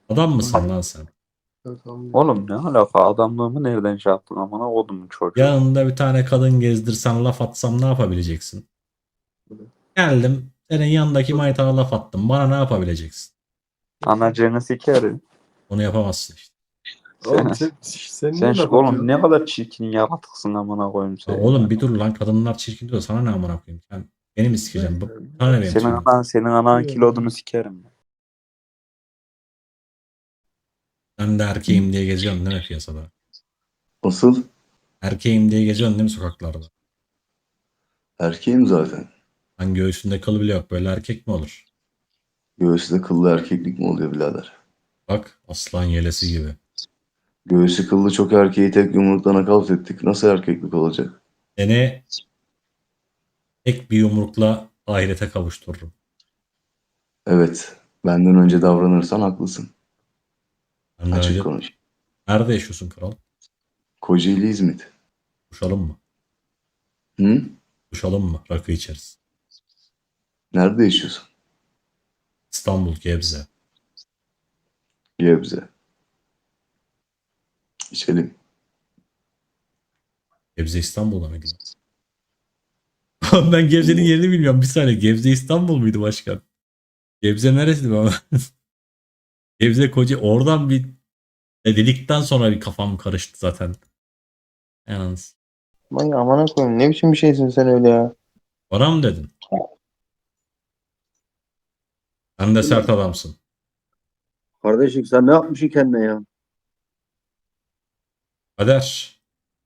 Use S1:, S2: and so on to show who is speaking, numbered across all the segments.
S1: Adam mısın lan sen?
S2: Oğlum ne alaka, adamlığımı nereden şey yaptın amına kodumun çocuğu.
S1: Yanında bir tane kadın gezdirsen laf atsam ne yapabileceksin? Geldim senin yanındaki maytana laf attım. Bana ne yapabileceksin?
S2: Anacığını sikerim.
S1: Onu yapamazsın işte.
S3: Oğlum
S2: Sen,
S3: sen
S2: sen
S3: niye laf
S2: oğlum ne
S3: atıyorsun?
S2: kadar çirkin yaratıksın amına koyayım
S1: Ha,
S2: sen
S1: oğlum
S2: ya.
S1: bir dur lan, kadınlar çirkin diyor. Sana ne amına koyayım? Sen beni mi sikeceksin? Sana ne benim
S2: Senin
S1: tipim?
S2: anan kilodunu sikerim.
S1: Sen de erkeğim diye geziyorsun değil mi piyasada?
S4: Nasıl?
S1: Erkeğim diye geziyorsun değil mi sokaklarda?
S4: Erkeğim zaten.
S1: Lan göğsünde kıl bile yok. Böyle erkek mi olur?
S4: Göğsü kıllı erkeklik mi oluyor birader?
S1: Bak aslan yelesi gibi.
S4: Göğsü kıllı çok erkeği tek yumruktan nakavt ettik. Nasıl erkeklik olacak?
S1: Seni tek bir yumrukla ahirete kavuştururum.
S4: Evet. Benden önce davranırsan haklısın.
S1: Benden
S4: Açık
S1: önce
S4: konuş.
S1: nerede yaşıyorsun kral?
S4: Kocaeli İzmit.
S1: Buluşalım mı?
S4: Hı?
S1: Buluşalım mı? Rakı içeriz.
S4: Nerede yaşıyorsun?
S1: İstanbul, Gebze.
S4: Gebze. İçelim.
S1: Gebze İstanbul'da mıydı? Ben Gebze'nin yerini bilmiyorum. Bir saniye. Gebze İstanbul muydu başkan? Gebze neresiydi baba? Gebze Koca. Oradan bir dedikten sonra bir kafam karıştı zaten. Yalnız.
S5: Vay amına koyayım. Ne biçim bir şeysin sen öyle ya?
S1: Bana mı dedin? Sen de sert adamsın.
S6: Kardeşim sen ne yapmışsın kendine ya?
S1: Kader.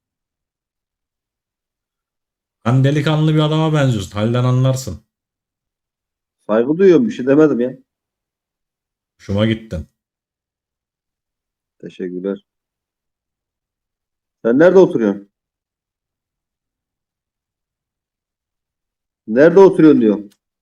S1: Sen delikanlı bir adama benziyorsun. Halden anlarsın.
S6: Saygı duyuyorum, bir şey demedim ya.
S1: Hoşuma gittin.
S6: Teşekkürler. Sen nerede oturuyorsun? Nerede oturuyorsun diyor.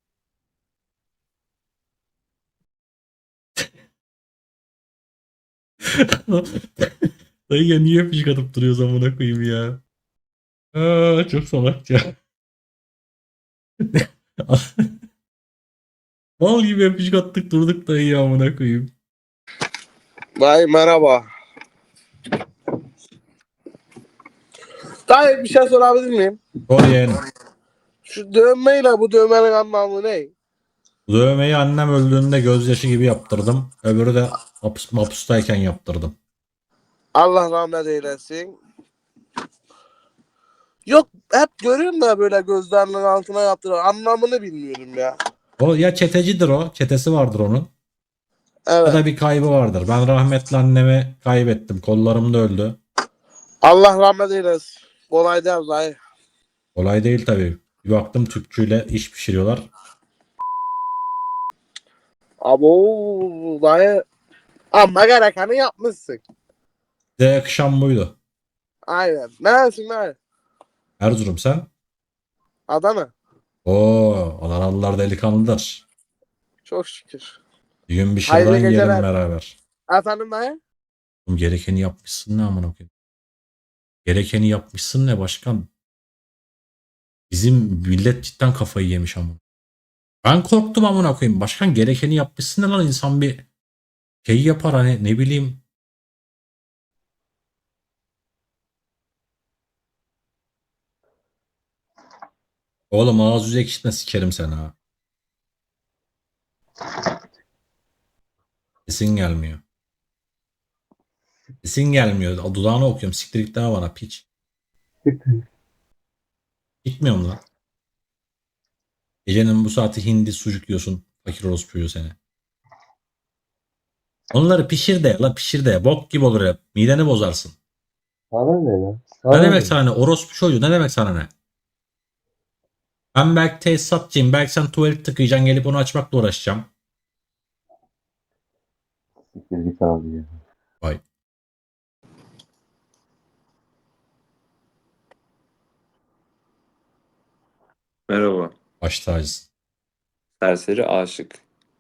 S1: Dayı ya niye öpücük atıp duruyor amına koyayım ya. Aa, çok salakça. Mal gibi öpücük attık durduk dayı ya amına koyayım.
S7: Dayı merhaba. Dayı bir şey sorabilir miyim?
S1: Sor yeğenim.
S7: Şu dövmeyle bu dövmenin anlamı ne?
S1: Bu dövmeyi annem öldüğünde gözyaşı gibi yaptırdım. Öbürü de hapustayken yaptırdım.
S7: Allah rahmet eylesin. Yok hep görüyorum da böyle gözlerinin altına yaptırıyor. Anlamını bilmiyorum ya.
S1: O ya çetecidir o. Çetesi vardır onun. Ya
S7: Evet.
S1: da bir kaybı vardır. Ben rahmetli annemi kaybettim. Kollarımda öldü.
S7: Allah rahmet eylesin. Kolay değil dayı.
S1: Kolay değil tabii. Bir baktım tüpçüyle iş pişiriyorlar.
S7: Abo dayı. Ama gerekeni yapmışsın.
S1: Size yakışan buydu.
S7: Aynen. Neresin dayı?
S1: Erzurum sen?
S7: Adana.
S1: Oo, Adanalılar delikanlıdır.
S7: Çok şükür.
S1: Bir gün bir
S7: Hayırlı
S1: şırdan yiyelim
S7: geceler.
S1: beraber.
S7: Efendim dayı?
S1: Oğlum gerekeni yapmışsın ne amına koyayım. Gerekeni yapmışsın ne başkan? Bizim millet cidden kafayı yemiş ama. Ben korktum amına koyayım. Başkan gerekeni yapmışsın ne lan, insan bir şey yapar hani, ne bileyim. Oğlum ağız yüz ekşitme sikerim seni ha. Sesin gelmiyor. Sesin gelmiyor. Dudağını okuyorum. Siktir git daha bana piç. Gitmiyor mu lan? Gecenin bu saati hindi sucuk yiyorsun. Fakir orospuyu seni. Onları pişir de la, pişir de. Bok gibi olur hep. Mideni bozarsın.
S5: Sana ne lan?
S1: Ne
S5: Sana
S1: demek
S5: ne?
S1: sana ne? Orospu çocuğu ne demek sana ne? Ben belki tesisatçıyım. Belki sen tuvalet tıkayacaksın. Gelip onu açmakla uğraşacağım.
S5: Siktir git abi ya.
S1: Vay.
S8: Merhaba.
S1: Baş tacısın.
S8: Serseri aşık.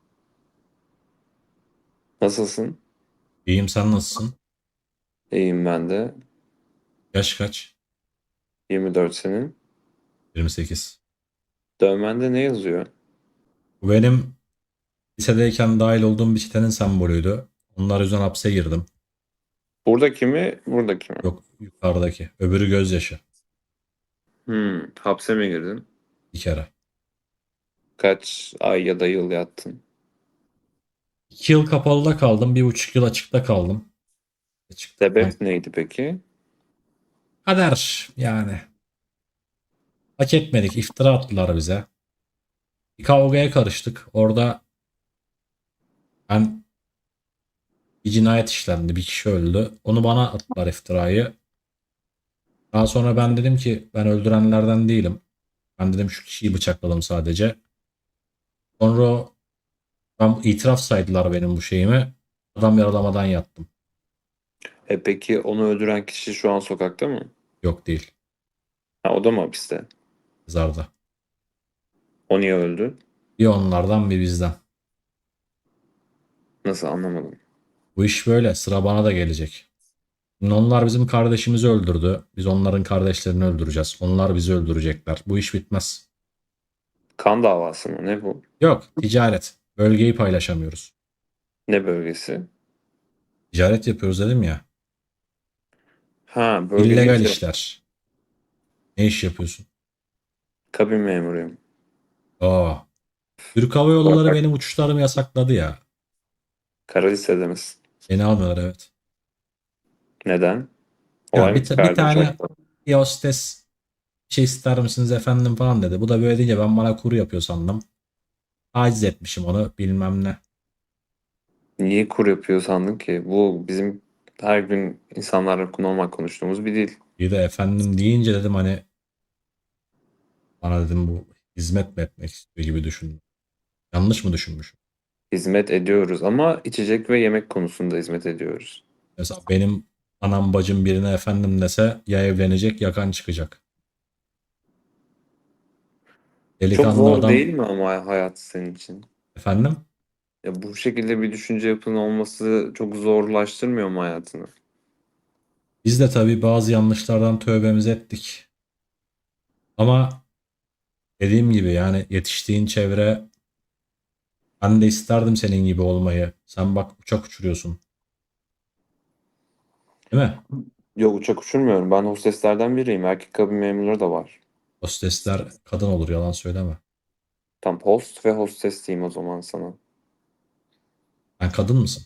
S8: Nasılsın?
S1: İyiyim, sen nasılsın?
S8: İyiyim ben de.
S1: Yaş kaç?
S8: 24 senin.
S1: 28.
S8: Dövmende ne yazıyor?
S1: Bu benim lisedeyken dahil olduğum bir çetenin sembolüydü. Onlar yüzünden hapse girdim.
S8: Buradaki mi? Buradaki mi?
S1: Yok, yukarıdaki. Öbürü gözyaşı.
S8: Hapse mi girdin?
S1: Bir kere.
S8: Kaç ay ya da yıl yattın?
S1: 2 yıl kapalıda kaldım. 1,5 yıl açıkta kaldım. Açıkta.
S8: Sebep neydi peki?
S1: Kader yani. Hak etmedik. İftira attılar bize. Bir kavgaya karıştık. Orada ben bir cinayet işlendi. Bir kişi öldü. Onu bana attılar iftirayı. Daha sonra ben dedim ki ben öldürenlerden değilim. Ben dedim şu kişiyi bıçakladım sadece. Sonra ben itiraf saydılar benim bu şeyimi. Adam yaralamadan yattım.
S8: Peki onu öldüren kişi şu an sokakta mı?
S1: Yok değil.
S8: Ha, o da mı hapiste?
S1: Mezarda.
S8: O niye öldü?
S1: Bir onlardan bir bizden.
S8: Nasıl, anlamadım.
S1: Bu iş böyle. Sıra bana da gelecek. Şimdi onlar bizim kardeşimizi öldürdü. Biz onların kardeşlerini öldüreceğiz. Onlar bizi öldürecekler. Bu iş bitmez.
S8: Kan davası mı? Ne bu?
S1: Yok, ticaret. Bölgeyi paylaşamıyoruz.
S8: Ne bölgesi?
S1: Ticaret yapıyoruz dedim ya.
S8: Ha, bölge
S1: İllegal
S8: deyince
S1: işler. Ne iş yapıyorsun?
S8: kabin memuruyum.
S1: Aa. Türk Hava Yolları benim uçuşlarımı yasakladı ya.
S8: Kara listede misin?
S1: Beni almıyorlar, evet.
S8: Neden?
S1: Ya
S8: Olay
S1: bir
S8: mı çıkardı
S1: tane
S8: uçakta?
S1: bir hostes bir şey ister misiniz efendim falan dedi. Bu da böyle deyince ben bana kuru yapıyor sandım. Aciz etmişim onu bilmem ne.
S8: Niye kur yapıyor sandın ki? Bu bizim her gün insanlarla normal konuştuğumuz bir dil.
S1: Bir de efendim deyince dedim hani bana dedim bu hizmet mi etmek istiyor gibi düşündüm. Yanlış mı düşünmüşüm?
S8: Hizmet ediyoruz ama içecek ve yemek konusunda hizmet ediyoruz.
S1: Mesela benim anam bacım birine efendim dese ya evlenecek ya kan çıkacak.
S8: Çok
S1: Delikanlı
S8: zor
S1: adam
S8: değil mi ama hayat senin için?
S1: efendim
S8: Ya bu şekilde bir düşünce yapının olması çok zorlaştırmıyor mu hayatını?
S1: biz de tabii bazı yanlışlardan tövbemizi ettik. Ama dediğim gibi yani yetiştiğin çevre ben de isterdim senin gibi olmayı. Sen bak uçak uçuruyorsun. Değil mi?
S8: Yok, uçak uçurmuyorum. Ben hosteslerden biriyim. Erkek kabin memurları da var.
S1: Hostesler kadın olur yalan söyleme.
S8: Tam host ve hostes diyeyim o zaman sana.
S1: Sen kadın mısın?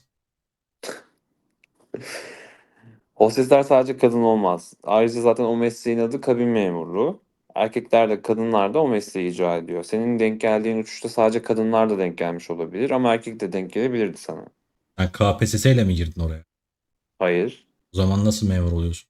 S8: Hostesler sadece kadın olmaz. Ayrıca zaten o mesleğin adı kabin memurluğu. Erkekler de kadınlar da o mesleği icra ediyor. Senin denk geldiğin uçuşta sadece kadınlar da denk gelmiş olabilir ama erkek de denk gelebilirdi sana.
S1: Sen KPSS ile mi girdin oraya?
S8: Hayır.
S1: O zaman nasıl memur oluyorsun?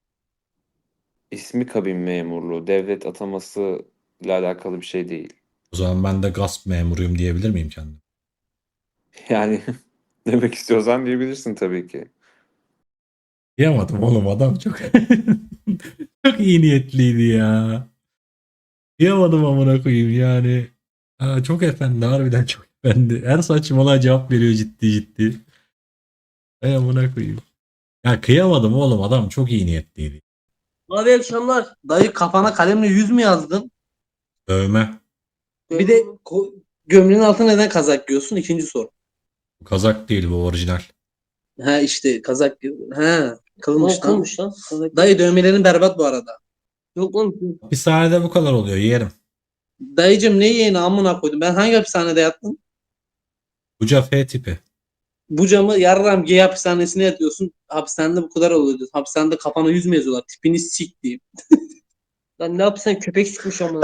S8: İsmi kabin memurluğu. Devlet ataması ile alakalı bir şey değil.
S1: O zaman ben de gasp memuruyum diyebilir miyim kendim?
S8: Yani demek istiyorsan diyebilirsin tabii ki.
S1: Diyamadım oğlum adam çok çok iyi niyetliydi ya. Diyamadım amına koyayım yani. Aa, çok efendi harbiden çok efendi. Her saçmalığa cevap veriyor ciddi ciddi. Ay amına koyayım. Ya kıyamadım oğlum adam çok iyi niyetliydi.
S3: Abi iyi akşamlar. Dayı kafana kalemle 100 mü yazdın?
S1: Dövme.
S3: Bir de gömleğin altına neden kazak giyiyorsun? İkinci soru.
S1: Bu kazak değil bu orijinal.
S3: Ha işte kazak ha kılmış lan.
S9: Kılmış lan. Kazak.
S3: Dayı dövmelerin berbat bu arada.
S9: Yok lan.
S1: Hapishanede bu kadar oluyor yerim.
S3: Dayıcım ne yeğeni amına koydum. Ben hangi hapishanede yattım?
S1: Buca F tipi.
S3: Bu camı yarram gay hapishanesine yatıyorsun. Hapishanede bu kadar oluyor diyorsun. Hapishanede kafana 100 mü yazıyorlar? Tipini sik diyeyim.
S9: Lan ne yapsan köpek sıkmış ama.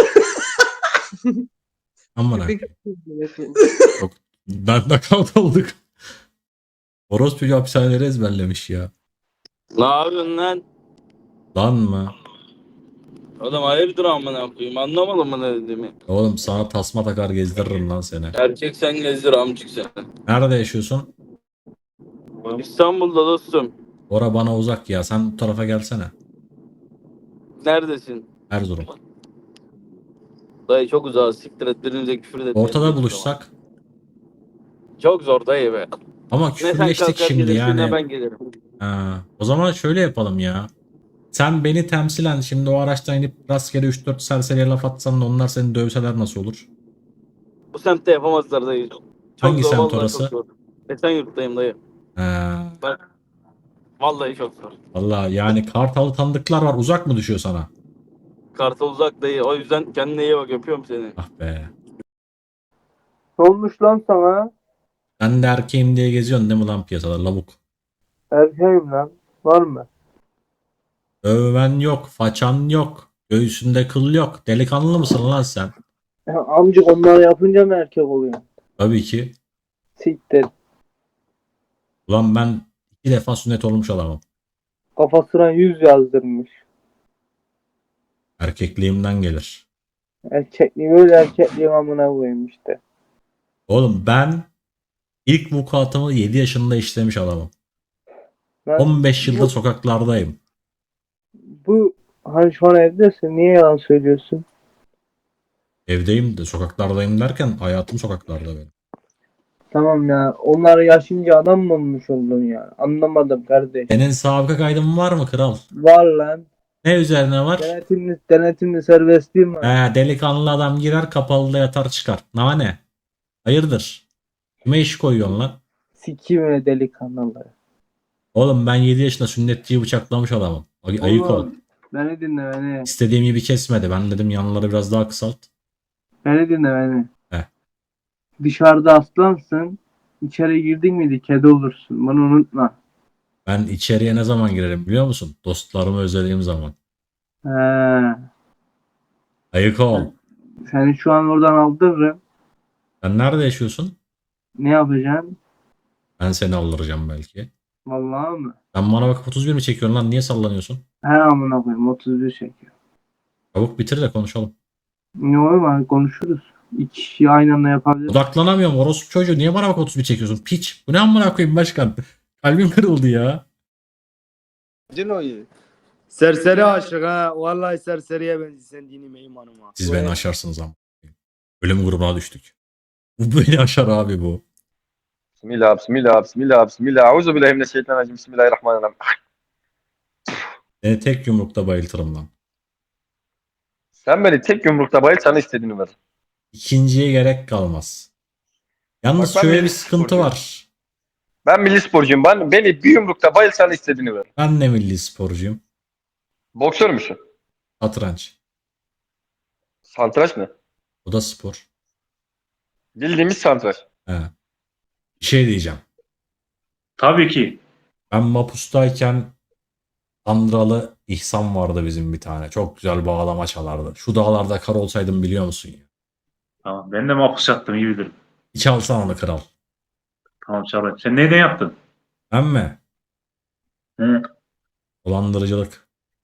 S1: Amına
S9: Köpek
S1: koyayım.
S9: sıkmış.
S1: Ben knockout olduk. Orospu hapishaneleri ezberlemiş ya.
S10: Ne yapıyorsun lan?
S1: Lan mı?
S10: Oğlum hayırdır amına koyayım, anlamadın mı ne dediğimi?
S1: Oğlum sana tasma takar gezdiririm lan seni.
S10: Erkek sen gezdir amcık sen.
S1: Nerede yaşıyorsun?
S10: İstanbul'da dostum.
S1: Ora bana uzak ya. Sen bu tarafa gelsene.
S10: Neredesin?
S1: Erzurum.
S10: Dayı çok uzak, siktir et, birbirimize küfür et.
S1: Ortada buluşsak.
S10: Çok zor dayı be.
S1: Ama
S10: Ne sen
S1: küfürleştik
S10: kalkar
S1: şimdi
S10: gelirsin ne
S1: yani.
S10: ben gelirim.
S1: Ha, o zaman şöyle yapalım ya. Sen beni temsilen şimdi o araçtan inip rastgele 3-4 serseriye laf atsan da onlar seni dövseler nasıl olur?
S10: Bu semtte yapamazlar dayı. Çok
S1: Hangi
S10: zor,
S1: semt
S10: vallahi
S1: orası?
S10: çok zor. Esenyurt'tayım dayı.
S1: Ha,
S10: Bak. Vallahi çok zor.
S1: vallahi yani Kartal'ı tanıdıklar var. Uzak mı düşüyor sana?
S10: Kartal uzak değil. O yüzden kendine iyi bak. Öpüyorum seni.
S1: Ah be.
S7: Ne olmuş lan sana?
S1: Sen de erkeğim diye geziyorsun değil mi lan piyasada lavuk?
S7: Erkeğim lan. Var mı?
S1: Övmen yok, façan yok, göğsünde kıl yok. Delikanlı mısın lan sen?
S7: Ya amcık onları yapınca mı erkek oluyor?
S1: Tabii ki.
S7: Siktir.
S1: Ulan ben 2 defa sünnet olmuş adamım.
S7: Kafasına 100 yazdırmış.
S1: Erkekliğimden gelir.
S7: Erkekliği böyle erkekliğin amına koyayım işte.
S1: Oğlum ben ilk vukuatımı 7 yaşında işlemiş adamım.
S7: Lan
S1: 15 yıldır sokaklardayım.
S7: bu hani şu an evdesin niye yalan söylüyorsun?
S1: Evdeyim de sokaklardayım derken hayatım sokaklarda benim.
S7: Tamam ya onlar yaşınca adam mı olmuş oldun ya? Anlamadım kardeş.
S1: Senin sabıka kaydın var mı kral?
S7: Var lan.
S1: Ne üzerine var?
S7: Denetimli serbestliğim var.
S1: Delikanlı adam girer kapalıda yatar çıkar. Ne? Hayırdır? Kime iş koyuyorsun lan?
S7: Sikiyim öyle delikanlıları.
S1: Oğlum ben 7 yaşında sünnetçiyi bıçaklamış adamım. Ayık ol.
S7: Oğlum, beni dinle beni.
S1: İstediğim gibi kesmedi. Ben dedim yanları biraz daha kısalt.
S7: Beni dinle beni.
S1: He.
S7: Dışarıda aslansın. İçeri girdin miydi kedi olursun. Bunu unutma.
S1: Ben içeriye ne zaman girerim biliyor musun? Dostlarımı özlediğim zaman.
S7: He.
S1: Ayık ol.
S7: Seni şu an oradan aldırırım.
S1: Sen nerede yaşıyorsun?
S7: Ne yapacaksın?
S1: Ben seni aldıracağım belki.
S7: Vallahi mı?
S1: Sen bana bakıp 31 mi çekiyorsun lan? Niye sallanıyorsun?
S7: He amına koyayım 31 çekiyor.
S1: Çabuk bitir de konuşalım.
S7: Ne olur mu? Konuşuruz. İki kişiyi aynı anda yapabiliriz.
S1: Odaklanamıyorum. Orospu çocuğu. Niye bana bak 31 çekiyorsun? Piç. Bu ne amına koyayım başkan? Kalbim kırıldı ya.
S11: Cino'yu. Serseri aşık ha. Vallahi serseriye benziyorsun dinim imanım ha.
S1: Siz beni aşarsınız ama. Ölüm grubuna düştük. Bu beni aşar abi bu.
S5: Bismillah, bismillah, bismillah, bismillah. Euzubillahimineşşeytanirracim. Bismillahirrahmanirrahim.
S1: Seni tek yumrukta bayıltırım lan.
S5: Sen beni tek yumrukta bayılt sana istediğini ver.
S1: İkinciye gerek kalmaz. Yalnız
S5: Bak ben
S1: şöyle bir
S5: milli
S1: sıkıntı
S5: sporcuyum.
S1: var.
S5: Ben milli sporcuyum. Beni bir yumrukta bayılt sana istediğini ver.
S1: Ben de milli sporcuyum.
S5: Boksör müsün?
S1: Satranç.
S5: Santraç mı?
S1: O da spor.
S5: Bildiğimiz santraç.
S1: He. Bir şey diyeceğim.
S12: Tabii ki.
S1: Ben Mapus'tayken Andralı İhsan vardı bizim bir tane. Çok güzel bağlama çalardı. Şu dağlarda kar olsaydım biliyor musun ya?
S12: Tamam. Ben de mahpus yattım iyi bilirim.
S1: Bir çalsan onu kral.
S12: Tamam Çağrı. Sen neyden yaptın?
S1: Ben mi?
S12: Hı.
S1: Dolandırıcılık.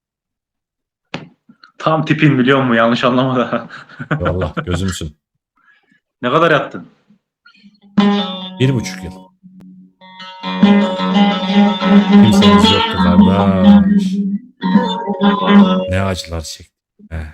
S12: Tam tipin biliyor musun? Yanlış anlama da.
S1: Vallahi gözümsün.
S12: Ne kadar yattın?
S1: 1,5 yıl. Kimseniz yoktu kardeş. Ne acılar çektim. He.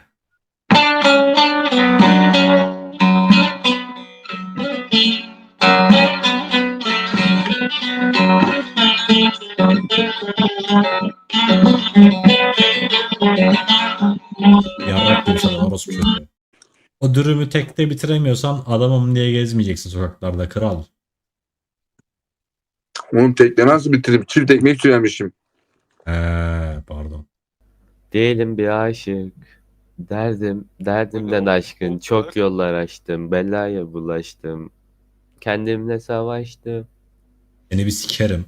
S1: Yarrak gibi sana orospu çocuğu. O dürümü tekte bitiremiyorsan adamım diye gezmeyeceksin sokaklarda kral.
S7: Oğlum tekne nasıl bitirip çift ekmek söylemişim.
S1: Pardon.
S13: Değilim bir aşık. Derdimden aşkın. Çok yollar açtım. Belaya bulaştım. Kendimle savaştım.
S1: Seni bir sikerim.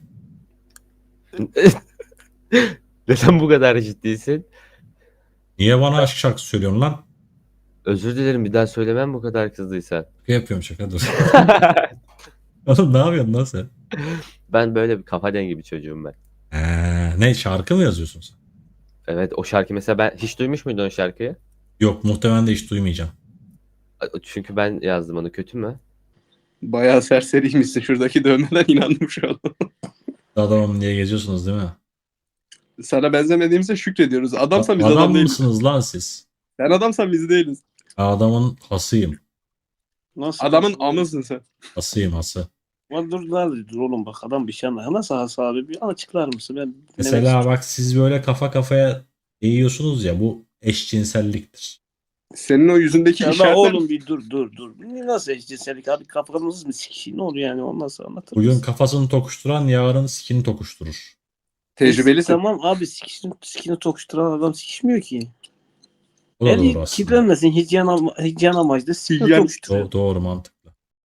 S13: Neden bu kadar ciddisin?
S1: Niye bana aşk şarkısı söylüyorsun lan?
S13: Özür dilerim bir daha söylemem bu kadar kızdıysan.
S1: Şaka yapıyorum şaka dur. Oğlum ne yapıyorsun lan sen?
S13: Ben böyle bir kafa dengi bir çocuğum ben.
S1: Ne şarkı mı yazıyorsun sen?
S13: Evet o şarkı mesela ben hiç duymuş muydun o şarkıyı?
S1: Yok muhtemelen de hiç duymayacağım.
S13: Çünkü ben yazdım onu kötü mü?
S7: Bayağı serseriymişsin. Şuradaki dövmeden inandım şu an.
S1: Adamım diye geziyorsunuz değil mi?
S7: Sana benzemediğimize şükrediyoruz. Adamsan biz
S1: Adam
S7: adam değiliz.
S1: mısınız lan siz?
S7: Sen adamsan biz değiliz.
S1: Adamın hasıyım.
S10: Nasıl?
S7: Adamın amısın sen.
S1: Hasıyım hası.
S10: Dur oğlum bak adam bir şey anlıyor. Nasıl Hası abi? Bir açıklar mısın? Ben
S1: Mesela bak siz böyle kafa kafaya eğiyorsunuz ya bu eşcinselliktir.
S11: Senin o yüzündeki
S10: Ya da
S11: işaretler...
S10: oğlum bir dur. Nasıl eşcinsellik abi, kafamız mı sikişi, ne oluyor yani, ondan sonra anlatır
S1: Bugün
S10: mısın?
S1: kafasını tokuşturan yarın sikini tokuşturur.
S11: Tecrübelisin.
S10: Tamam abi, sikini tokuşturan adam sikişmiyor ki.
S1: Bu da doğru
S10: Eli
S1: aslında.
S10: kirlenmesin, hijyen amaçlı sikini tokuşturuyor.
S1: Doğru mantıklı.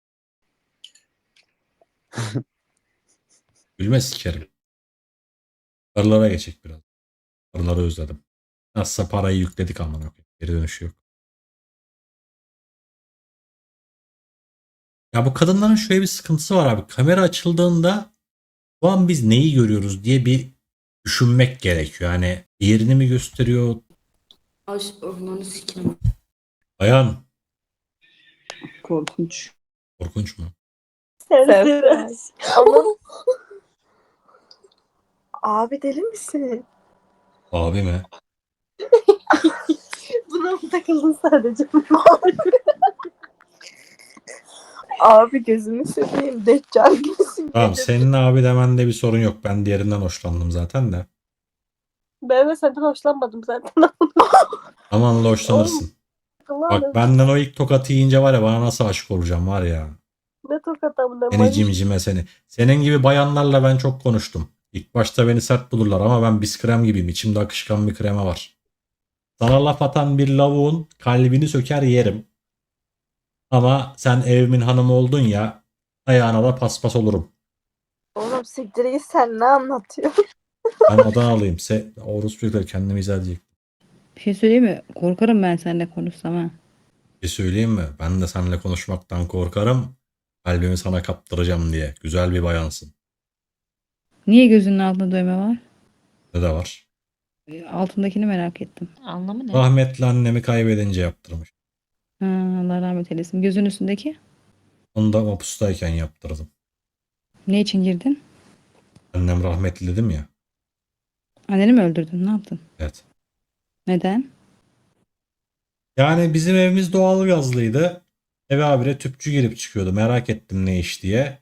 S1: Gülme sikerim. Karılara geçecek biraz. Karıları özledim. Nasılsa parayı yükledik amına koyayım. Geri dönüşü yok. Ya bu kadınların şöyle bir sıkıntısı var abi. Kamera açıldığında bu an biz neyi görüyoruz diye bir düşünmek gerekiyor. Yani diğerini mi gösteriyor?
S9: Onu sikim.
S1: Bayan.
S3: Korkunç.
S1: Korkunç mu?
S9: Ama
S14: Abi deli misin?
S1: Abi mi?
S14: Buna mı takıldın sadece? Abi gözümü seveyim. Deccal gibisin.
S1: Tamam senin abi demende bir sorun yok. Ben diğerinden hoşlandım zaten de.
S14: Ben de senden hoşlanmadım zaten.
S1: Aman da hoşlanırsın. Bak benden o ilk tokatı yiyince var ya bana nasıl aşık olacağım var ya.
S14: Ne tokat amına.
S1: Seni cimcime seni. Senin gibi bayanlarla ben çok konuştum. İlk başta beni sert bulurlar ama ben biskrem gibiyim. İçimde akışkan bir krema var. Sana laf atan bir lavuğun kalbini söker yerim. Ama sen evimin hanımı oldun ya ayağına da paspas olurum.
S14: Oğlum siktir git, sen ne anlatıyorsun?
S1: Ben Adanalıyım. Orospu'yla kendimi izah edecek.
S9: bir şey söyleyeyim mi? Korkarım ben seninle konuşsam ha.
S1: Bir şey söyleyeyim mi? Ben de seninle konuşmaktan korkarım. Kalbimi sana kaptıracağım diye. Güzel bir bayansın.
S9: Niye gözünün altında dövme var?
S1: Ne de var?
S9: Altındakini merak ettim.
S14: Anlamı ne?
S1: Rahmetli annemi kaybedince yaptırmış.
S9: Ha, Allah rahmet eylesin. Gözün üstündeki?
S1: Onu da mapustayken yaptırdım.
S9: Ne için girdin?
S1: Annem rahmetli dedim ya.
S9: Anneni mi öldürdün? Ne yaptın?
S1: Evet.
S9: Neden?
S1: Yani bizim evimiz doğalgazlıydı. Eve habire tüpçü girip çıkıyordu. Merak ettim ne iş diye.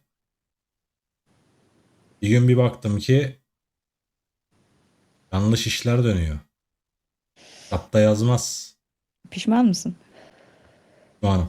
S1: Bir gün bir baktım ki yanlış işler dönüyor. Hatta yazmaz.
S9: Pişman mısın?
S1: Şu an.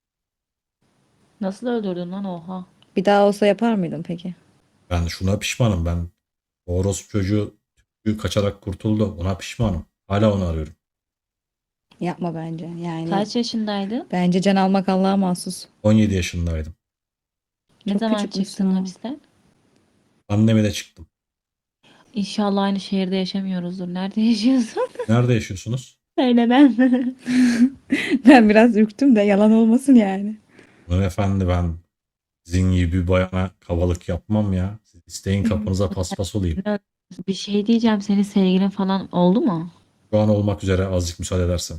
S14: Nasıl öldürdün lan, oha?
S9: Bir daha olsa yapar mıydın peki?
S1: Ben şuna pişmanım. Ben orospu çocuğu tüpçü kaçarak kurtuldu. Ona pişmanım. Hala onu arıyorum.
S9: Yapma bence. Yani
S14: Kaç yaşındaydın?
S9: bence can almak Allah'a mahsus.
S1: 17 yaşındaydım.
S14: Ne
S9: Çok
S14: zaman
S9: küçükmüşsün
S14: çıktın
S9: ha.
S14: hapisten?
S1: Anneme de çıktım.
S14: İnşallah aynı şehirde yaşamıyoruzdur. Nerede yaşıyorsun?
S1: Nerede yaşıyorsunuz?
S14: Öyle ben.
S9: Ben biraz ürktüm de yalan olmasın yani.
S1: Efendi ben sizin gibi bir bayana kabalık yapmam ya. Siz isteyin kapınıza paspas olayım.
S14: Bir şey diyeceğim. Senin sevgilin falan oldu mu?
S1: Şu an olmak üzere azıcık müsaade edersen.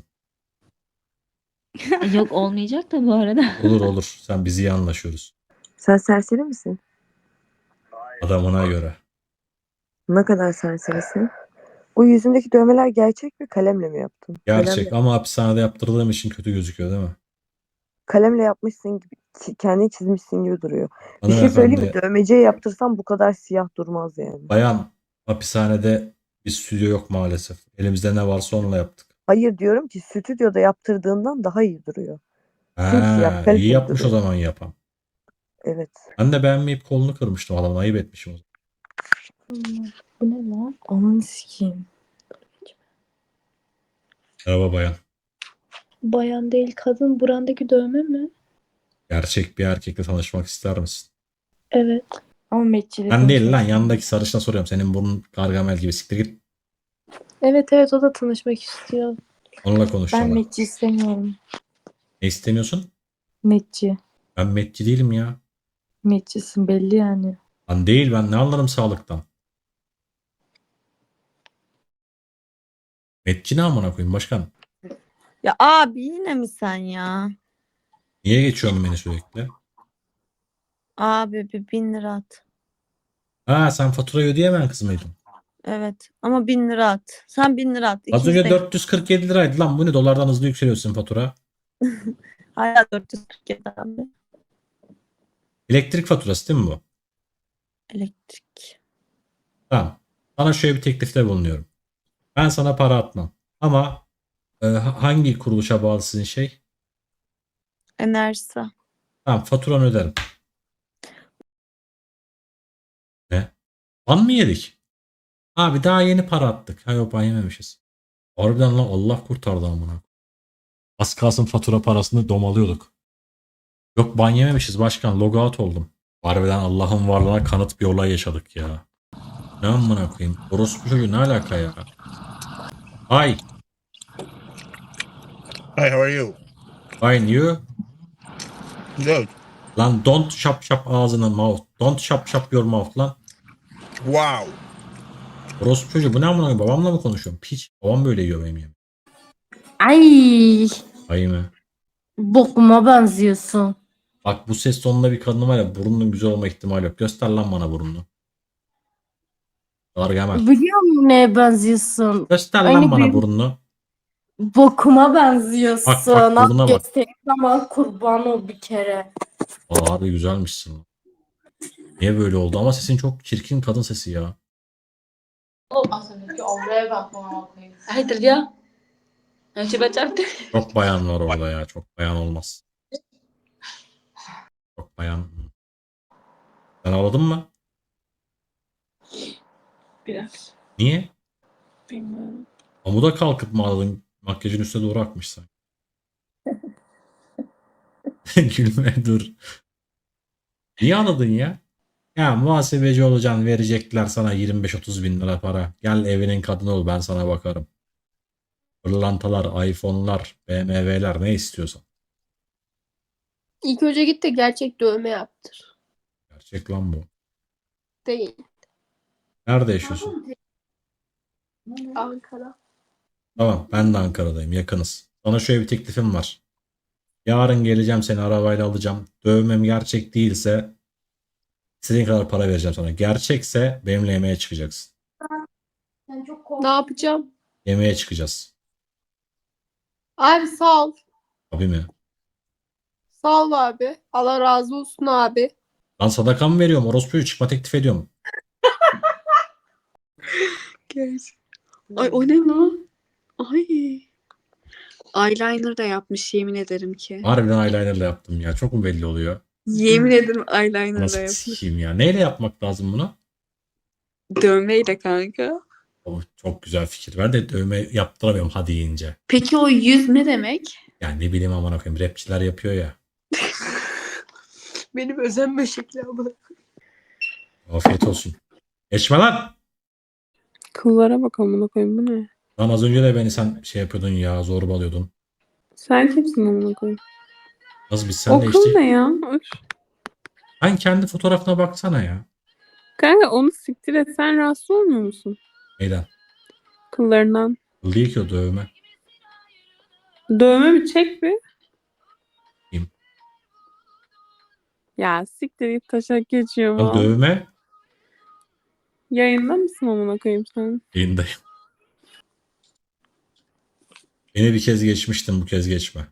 S14: Yok, olmayacak da bu arada.
S1: Olur. Sen biz iyi anlaşıyoruz.
S14: Sen serseri misin?
S1: Adamına göre.
S14: Ne kadar serserisin? O yüzündeki dövmeler gerçek mi? Kalemle mi yaptın?
S1: Gerçek ama hapishanede yaptırdığım için kötü gözüküyor değil mi?
S14: Kalemle yapmışsın gibi, kendini çizmişsin gibi duruyor. Bir şey söyleyeyim mi?
S1: Hanımefendi,
S14: Dövmeciye yaptırsam bu kadar siyah durmaz yani.
S1: bayan hapishanede bir stüdyo yok maalesef. Elimizde ne varsa onunla yaptık.
S14: Hayır, diyorum ki stüdyoda yaptırdığından daha iyi duruyor. Simsiyah,
S1: Ha,
S14: kaliteli
S1: iyi yapmış o
S14: duruyor.
S1: zaman yapan.
S14: Evet.
S1: Ben de beğenmeyip kolunu kırmıştım adamın. Ayıp etmişim o zaman.
S14: Bu ne lan? Ananı sikeyim.
S1: Merhaba bayan.
S14: Bayan değil, kadın. Burandaki dövme mi?
S1: Gerçek bir erkekle tanışmak ister misin?
S14: Evet. Ama metçili
S1: Ben değil lan yanındaki sarışına soruyorum. Senin burnun Gargamel gibi siktir git.
S14: Evet, o da tanışmak istiyor.
S1: Onunla konuşacağım. Ben.
S14: metçi istemiyorum.
S1: Ne istemiyorsun?
S14: Metçi.
S1: Ben metçi değilim ya.
S14: Metçisin belli yani.
S1: Lan değil ben ne anlarım sağlıktan. Metçi ne amına koyayım başkan?
S14: Ya abi yine mi sen ya?
S1: Niye geçiyorsun beni sürekli?
S14: Abi bir 1000 lira at.
S1: Ha sen faturayı ödeyemeyen kız mıydın?
S14: Evet ama 1000 lira at. Sen 1000 lira at.
S1: Az önce 447 liraydı lan bu ne dolardan hızlı yükseliyorsun fatura.
S14: Hala 447 abi.
S1: Elektrik faturası değil mi bu?
S14: Elektrik.
S1: Tamam. Sana şöyle bir teklifte bulunuyorum. Ben sana para atmam. Ama Hangi kuruluşa bağlı sizin şey?
S9: Enerjisa.
S1: Tamam, faturanı öderim. Ne? Ban mı yedik? Abi daha yeni para attık. Ha yok, ban yememişiz. Harbiden lan, Allah kurtardı amına. Az kalsın fatura parasını domalıyorduk. Yok, ban yememişiz başkan. Logout oldum. Harbiden Allah'ın varlığına kanıt bir olay yaşadık ya. Ne amına koyayım? Orospu çocuğu ne alaka ya? Hi.
S15: Hi, how are you?
S1: Fine, you?
S15: Good.
S1: Lan don't şap şap ağzını mouth. Don't şap şap your mouth lan.
S15: Wow.
S1: Orospu çocuğu bu ne amına koyayım? Babamla mı konuşuyorum? Piç. Babam böyle yiyor benim yemeğimi.
S16: Ay,
S1: Ay mı?
S16: bokuma benziyorsun.
S1: Bak bu ses tonunda bir kadın var ya, burnunun güzel olma ihtimali yok. Göster lan bana burnunu. Gargamel.
S16: Biliyor musun neye benziyorsun?
S1: Göster
S16: Aynı
S1: lan bana
S16: benim
S1: burnunu.
S16: bokuma benziyorsun.
S1: Bak, burnuna bak.
S16: Göstereyim zaman kurban ol bir kere.
S1: Aa, abi güzelmişsin lan. Niye böyle oldu? Ama sesin çok çirkin kadın sesi ya.
S16: Hayırdır ya? Önce becerdi.
S1: Çok bayan var orada ya. Çok bayan olmaz. Çok bayan. Sen ağladın mı?
S16: Biraz.
S1: Niye?
S16: Bilmiyorum.
S1: Amuda kalkıp mı ağladın? Makyajın üstüne doğru akmış sen. Gülme dur. Niye ağladın ya? Ya muhasebeci olacaksın, verecekler sana 25-30 bin lira para. Gel evinin kadını ol, ben sana bakarım. Pırlantalar, iPhone'lar, BMW'ler ne istiyorsan.
S16: İlk önce git de gerçek dövme yaptır.
S1: Gerçek lan bu.
S16: Değil.
S1: Nerede yaşıyorsun?
S16: Ankara.
S1: Tamam, ben de Ankara'dayım, yakınız. Sana şöyle bir teklifim var. Yarın geleceğim, seni arabayla alacağım. Dövmem gerçek değilse istediğin kadar para vereceğim sana. Gerçekse benimle yemeğe çıkacaksın.
S16: Ne yapacağım?
S1: Yemeğe çıkacağız.
S16: Abi sağ ol.
S1: Abi mi?
S16: Sağ ol abi. Allah razı olsun abi.
S1: Lan sadaka mı veriyorum? Orospu'yu çıkma teklif ediyorum.
S17: Ay o ne lan? Ay. Eyeliner da yapmış yemin ederim ki.
S1: Harbiden eyelinerla yaptım ya. Çok mu belli oluyor?
S17: Yemin ederim eyeliner da
S1: Nasıl
S17: yapmış.
S1: sikeyim ya? Neyle yapmak lazım bunu?
S17: Dövmeyle kanka.
S1: Oh, çok güzel fikir. Ben de dövme yaptıramıyorum ha deyince.
S17: Peki o yüz ne demek?
S1: Yani ne bileyim aman koyayım. Rapçiler yapıyor ya.
S17: Benim özenme şekli ama.
S1: Afiyet olsun. Geçme lan.
S17: Kıllara bak amına koyayım bu ne?
S1: Lan az önce de beni sen şey yapıyordun ya. Zorbalıyordun.
S17: Sen kimsin amına koyayım?
S1: Nasıl biz senle işte.
S17: ne ya? Öf.
S1: Sen kendi fotoğrafına baksana ya.
S17: Kanka onu siktir et. Sen rahatsız olmuyor musun?
S1: Neyden?
S17: Kıllarından.
S1: Kıl değil ki o, dövme.
S17: Dövme bir çek bir.
S1: Kim?
S17: Ya siktir git taşak geçiyor
S1: Lan dövme.
S17: Yayında mısın amına koyayım sen?
S1: Yayındayım. Beni bir kez geçmiştin, bu kez geçme.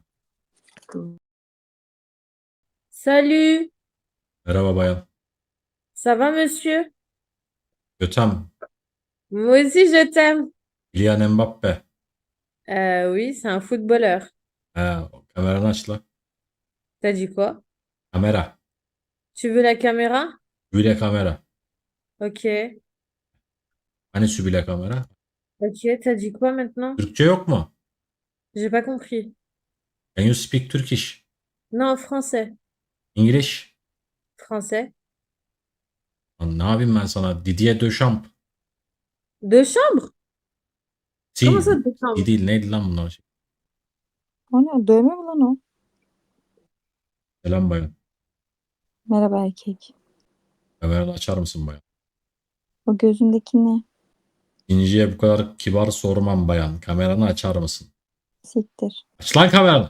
S16: Salut.
S1: Merhaba bayan.
S16: Ça va monsieur?
S1: Götem.
S16: Moi aussi je t'aime.
S1: Kylian Mbappe.
S16: Oui, c'est un footballeur.
S1: Ha, kameranı aç la.
S16: T'as dit quoi?
S1: Kamera.
S16: Tu veux la caméra?
S1: Sübile kamera.
S16: Ok.
S1: Hani sübile kamera?
S16: Ok, t'as dit quoi maintenant?
S1: Türkçe yok mu?
S16: J'ai pas compris.
S1: Can you speak Turkish?
S16: Non, français.
S1: English?
S16: Français.
S1: Lan ne yapayım ben sana? Didier Deschamps.
S16: De chambre?
S1: Si.
S16: Comment ça de chambre?
S1: Değil, neydi lan bunlar?
S14: O ne? Dövme mi lan o?
S1: Selam bayan.
S14: Merhaba erkek.
S1: Kameranı açar mısın bayan?
S14: O gözündeki ne?
S1: İnciye bu kadar kibar sormam bayan. Kameranı açar mısın?
S14: Siktir.
S1: Aç lan kameranı.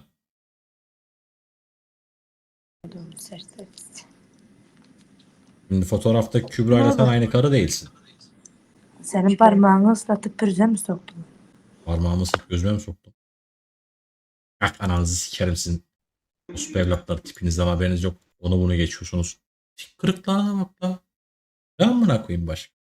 S1: Şimdi fotoğrafta Kübra ile sen aynı karı değilsin.
S14: Senin parmağını ıslatıp pürüze mi soktun?
S1: Parmağımı sık gözüme mi soktum? Kalk ananızı sikerim sizin. Uspu evlatları tipinizden haberiniz yok. Onu bunu geçiyorsunuz. Kırıklarına bak la. Ne amına koyayım başka?